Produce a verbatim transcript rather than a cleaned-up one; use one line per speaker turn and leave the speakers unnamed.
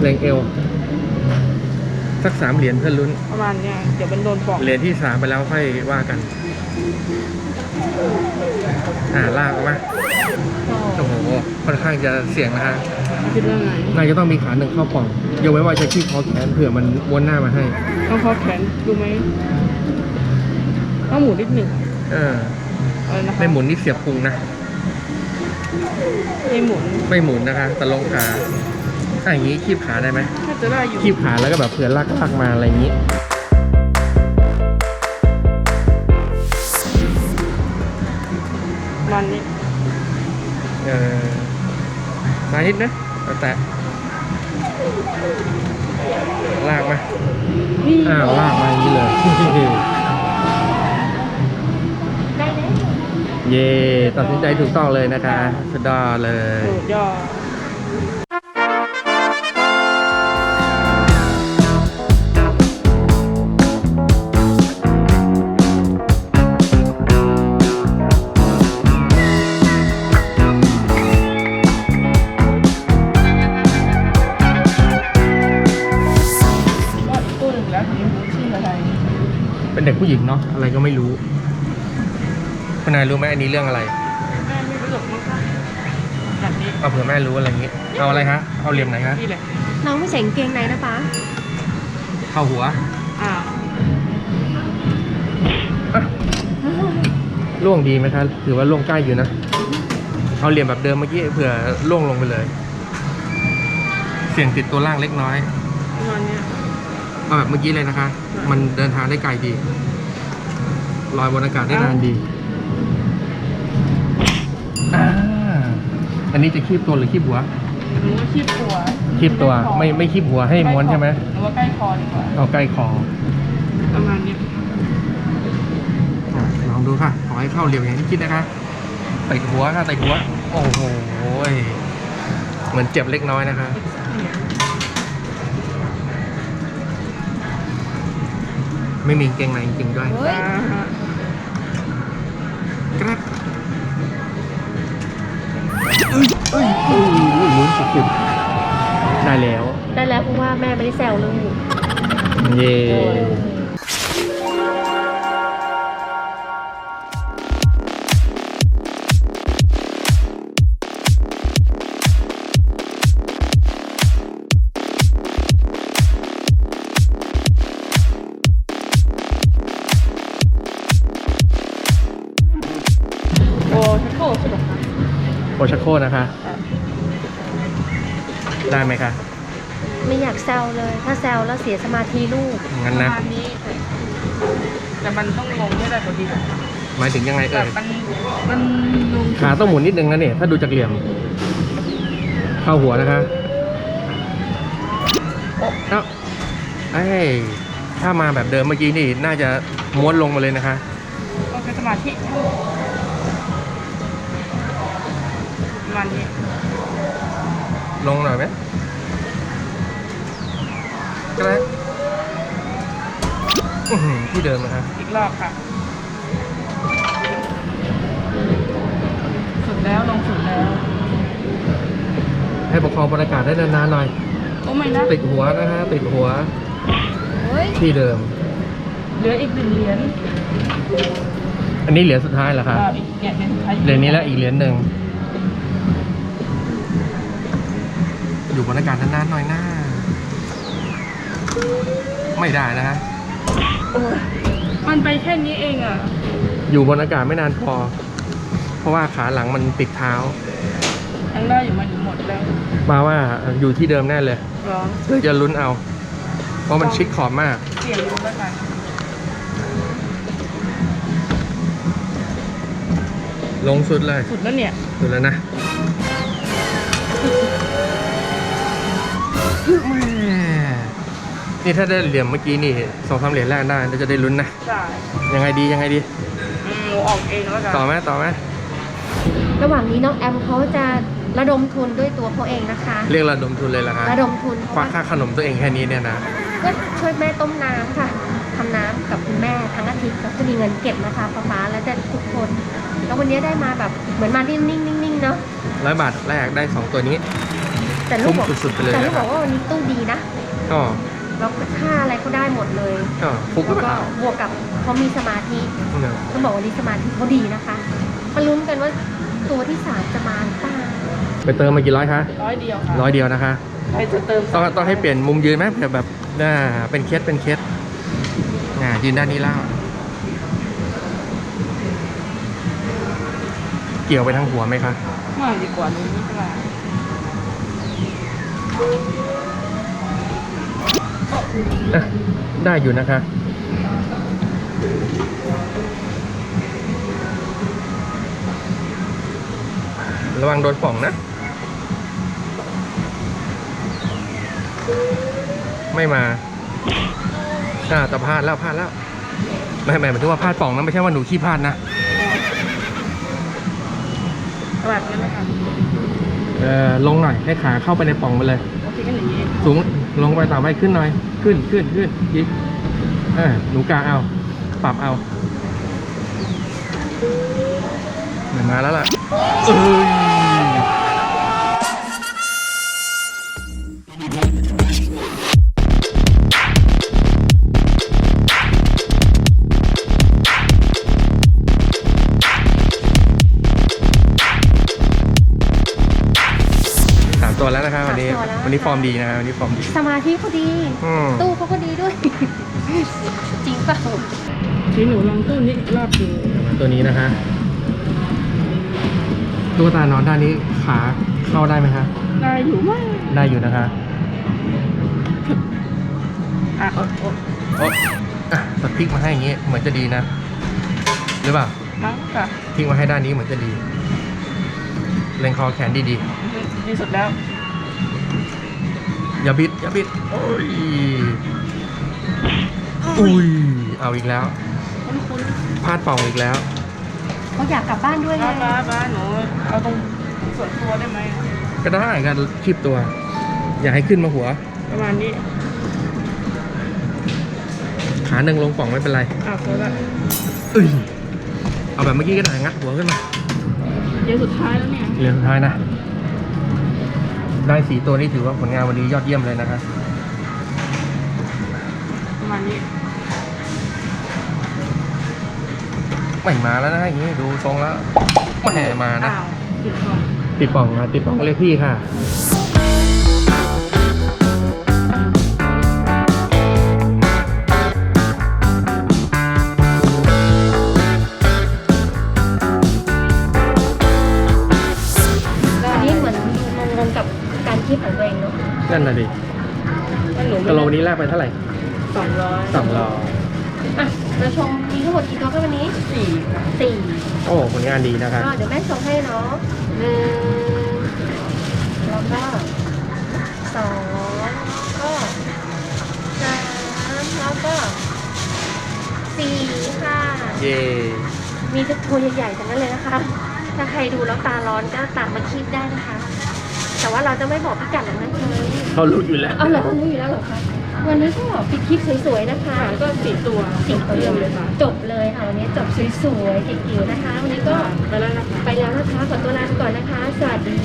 แรงเอวสักสามเหรียญเพื่อลุ้น
ประมาณเนี้ยเดี๋ยวมันโดนปอก
เหรียญที่สามไปแล้วค่อยว่ากันอ่าลากออกมาโอ้โหค่อนข้างจะเสี่ยงนะฮะ
คิดว่าไง
น่าจะต้องมีขาหนึ่งเข้าป่องยกไว้ว่าจะขี้คอแขนเผื่อมันม้วนหน้ามาให้
ต้องคอแขนดูไหมต้องหมุนนิดหนึ่ง
เออไม่หมุนนี่เสียบพุงนะ
ไม่หมุน
ไม่หมุนนะคะแต่ลงขาถ้าอย่างนี้คีบขาได้ไหม
ถ้าจะได้อยู่
คีบขาแล้วก็แบบเผื่อลากลากมาอะไรอย่างนี้
มันนี้
เออมานิดนะแต่ลากมาอ้าวลากมาอย่างนี้เลยเย่ตัดสินใจถูกต้องเลยนะคะสุดยอดเลย
สุดยอด
เป็นเด็กผู้หญิงเนาะอะไรก็ไม่รู้คุณนายรู้ไหมอันนี้เรื่องอะไร
แม่ไม่รู้หรอกมั้งคะแบบนี้
เอาเผื่อแม่รู้อะไรอย่างนี้เอาอะไรคะเอาเหลี่ยมไหนคะ
นี่แหละ
น้องไม่ใส่กางเกงในนะป๊า
เข้าหัว
อ้าว
ล่วงดีไหมคะถือว่าล่วงใกล้อยู่นะเอาเหลี่ยมแบบเดิมเมื่อกี้เผื่อล่วงลงไปเลยเสี่ยงติดตัวล่างเล็กน้อย
ประมาณนี้
เอาแบบเมื่อกี้เลยนะคะมันเดินทางได้ไกลดีลอยบนอากาศได้นานดีอ่าอันนี้จะคีบตัวหรือคีบหัว
หรือว่าคีบตัว
คีบตัวไม่ไม่คีบหัวให้ม้วนใช่ไหม
หรือว่าใกล้คอดีกว่า
เอาใกล้คอ
ประมาณนี้
ลองดูค่ะขอให้เข้าเหลี่ยมอย่างที่คิดนะคะติดหัวค่ะติดหัวโอ้โหเหมือนเจ็บเล็กน้อยนะคะไม่มีเกงในจริงๆด้วยกระอุ้ยอุ้ยอุ้ยลุ้นสุดๆได้แล้ว
ได้แล้วเพราะว่าแม่ไม่ได้แซวเลย
เย่โอชักโคนะคะได้ไหมคะ
ไม่อยากแซวเลยถ้าแซวแล้วเสียสมาธิลูก
งั้นนะ
แต่มันต้องลงให้ได้พอดี
หมายถึงยังไงเอ่ย
มันมัน
ขาต้องหมุนนิดนึงนะเนี่ยถ้าดูจากเหลี่ยมเข้าหัวนะคะเอ้าไอ้ถ้ามาแบบเดิมเมื่อกี้นี่น่าจะม้วนลงมาเลยนะคะ
ก็เป็นสมาธิมันนี้
ลงหน่อยไหมก็ได้ที่เดิมนะครับ
อีกรอบค่ะสุดแล้วลงสุดแล้ว
ให้ประคองบรรยากาศได้นานๆหน่อย
โอ้ไม่นะ
ติดหัวนะฮะติดหัวที่เดิม
เหลืออีกหนึ่งเหรียญ
อันนี้เหรียญสุดท้ายเหรอครับเหรียญนี้แล้วอีกเหรียญหนึ่งอยู่บนอากาศนานๆหน่อยหน้าไม่ได้นะฮะ
มันไปแค่นี้เองอ่ะ
อยู่บนอากาศไม่นานพอเพราะว่าขาหลังมันติดเท้า
ยังได้อยู่มันหมดแล้ว
มาว่าอยู่ที่เดิมแน่เลยเลยจะลุ้นเอาเพราะมันชิดขอบมาก
เสี่ยงลุ้นแล้วกัน
ลงสุดเลย
สุดแล้วเนี่ย
สุดแล้วนะนี่ถ้าได้เหรียญเมื่อกี้นี่สองสามเหรียญแรกได้เราจะได้ลุ้นนะ
ใช่
ยังไงดียังไงดี
อืมออกเองแล้วกัน
ต่อไหมต่อไหม
ระหว่างนี้น้องแอมเขาจะระดมทุนด้วยตัวเขาเองนะคะ
เรียกระดมทุนเลยล่ะครับ
ระดมทุน
ควักค่าขนมตัวเองแค่นี้เนี่ยนะ
ก็ช่วยแม่ต้มน้ำค่ะทำน้ำกับคุณแม่ทั้งอาทิตย์ก็จะมีเงินเก็บนะคะป๊าป๊าและแต่ทุกคนแล้ววันนี้ได้มาแบบเหมือนมานิ่งๆนิ่งๆเนาะ
ร้อยบาทแรกได้สองตัวนี้
แต่ลูกบอก
คุ้มสุดๆไปเลย
แต่ลูก
นะค
บ
รั
อบ กว่าวันนี้ตู้ดีนะ
ก็
แล้วค่าอะไรก็ได้หมดเลย
ก็ฟุกหรือ
แล้ว
เป
ก็
ล่า
บวกกับเขามีสมาธิ
เนี่ย
ต้องบอกว่าวันนี้สมาธิเขาดีนะคะมาลุ้นกันว่าตัวที่สามจะมาหรือเปล่า
ไปเติมมากี่ร้อยคะ
ร้อยเดียวค่ะ
ร้อยเดียวนะคะ
ใครจะเติม
ต้องต้องให้เปลี่ยนมุมยืนไหมเผื่อแบบน่าเป็นเคสเป็นเคสอ่ายืนด้านนี้แล้วเกี่ยวไปทางหัวไหมคะ
มากดีกว่านี้ไม่เป็นไร
อ่ะได้อยู่นะคะ ระวังโดนป่องนะ ไม่มาอ่าแต่พลาดแล้วพลาดแล้ว ไม่ไม่หมายถึงว่าพลาดป่องนะไม่ใช่ว่าหนูขี้พลาดนะ
ตลาดนั้นนะคะ
เออลงหน่อยให้ขาเข้าไปในป่องไปเลย
โอเคกันอย่างนี้
สูงลงไปต่อไปขึ้นหน่อย ขึ้นขึ้นขึ้นอีกเออหนูกาเอา ปรับเอาเหมือนมาแล้วล่ะเอ้ยสามตัวแล้วนะครับวันนี้
สามตัวแล้ว
วันนี้ฟอร์มดีนะครับวันนี้ฟอร์มดี
สมาธิเขาดี
อืม
ตู้เขาก็ดีด้วย จริงเปล่า
ทีหนูลองตู้นี้รอบดู
ตัวนี้นะคะตุ๊กตานอนด้านนี้ขาเข้าได้ไหมคะ
ได้อยู่มาก
ได้อยู่นะคะ
อ่ะ
โอ๊ะอ่ะตัดพลิกมาให้อย่างงี้เหมือนจะดีนะ หรือเปล่า
มั้งค่ะ
พลิกมาให้ด้านนี้เหมือนจะดีเล็งคอแขนดี
ดีสุดแล้ว
ๆอย่าบิดอย่าบิดโอ้ยอุ้ยเอาอีกแล้ว
คุ้นคุ้น
พลาดป่องอีกแล้ว
เขาอยากกลับบ้านด้วยไง
บ้าบ้าบ้าหนูเอาตรงส่วนตัวได้ไหม
ก็ได้กันคลิปตัว อย่าให้ขึ้นมาหัว
ประมาณนี้
ขาหนึ่งลงป่องไม่เป็นไร
อ่ะพอละ
เอ้ยเอาแบบเมื่อกี้ก็ได้งัดหัวขึ้นมา
เดี๋ยวสุดท้ายแล้วเนี่ย
เหลือสุดท้ายนะ ได้สีตัวนี้ถือว่าผลงานวันนี้ยอดเยี่ยมเลยนะครับ
ประมาณนี้
ไม่มาแล้วนะอย่างนี้ดูทรงแล้วไม่มานะ
อ้าวผิดของ
ติดป่องค่ะติดป่องเรียกพี่ค่ะ
อันนี้เหมือนงงๆกับการคิดของตัวเองเนาะ
นั่นน่ะดิ
ว่าหนู
กะโหลวันนี้แลกไปเท่าไหร่
สองร้อย
สองร้อย
อ่ะเราชมมีทั้งหมดกี่ตัวคะวันนี้
สี่ค่ะ
สี่
โอ้ผลงานดีนะครับ
ก็เดี๋ยวแม่ส่งให้เนาะหนึ่งแล้วก็สองก็สามแล้วก็สี่ค่ะ
เย่
มีทุกตัวใหญ่ๆทั้งนั้นเลยนะคะ ถ้าใครดูแล้วตาร้อนก็ตามมาคีบได้นะคะ แต่ว่าเราจะไม่บอกพิกัดหรอกนะคะ
เขารู้อยู่แล้ว
เอาเหรอรู้อยู่แล้วเหรอคะวันนี้ก็ปิดคลิปสวยๆนะคะ
ค่ะก็สี่ตัว
สี่ตัว
เดียวเลยค่ะ
จบเลยค่ะวันนี้จบสวยๆเก๋ๆนะคะ วันนี้ก็
ไปแล้วนะคะ
ไปแล้วนะคะขอตัวลาไปก่อนนะคะ สวัสดี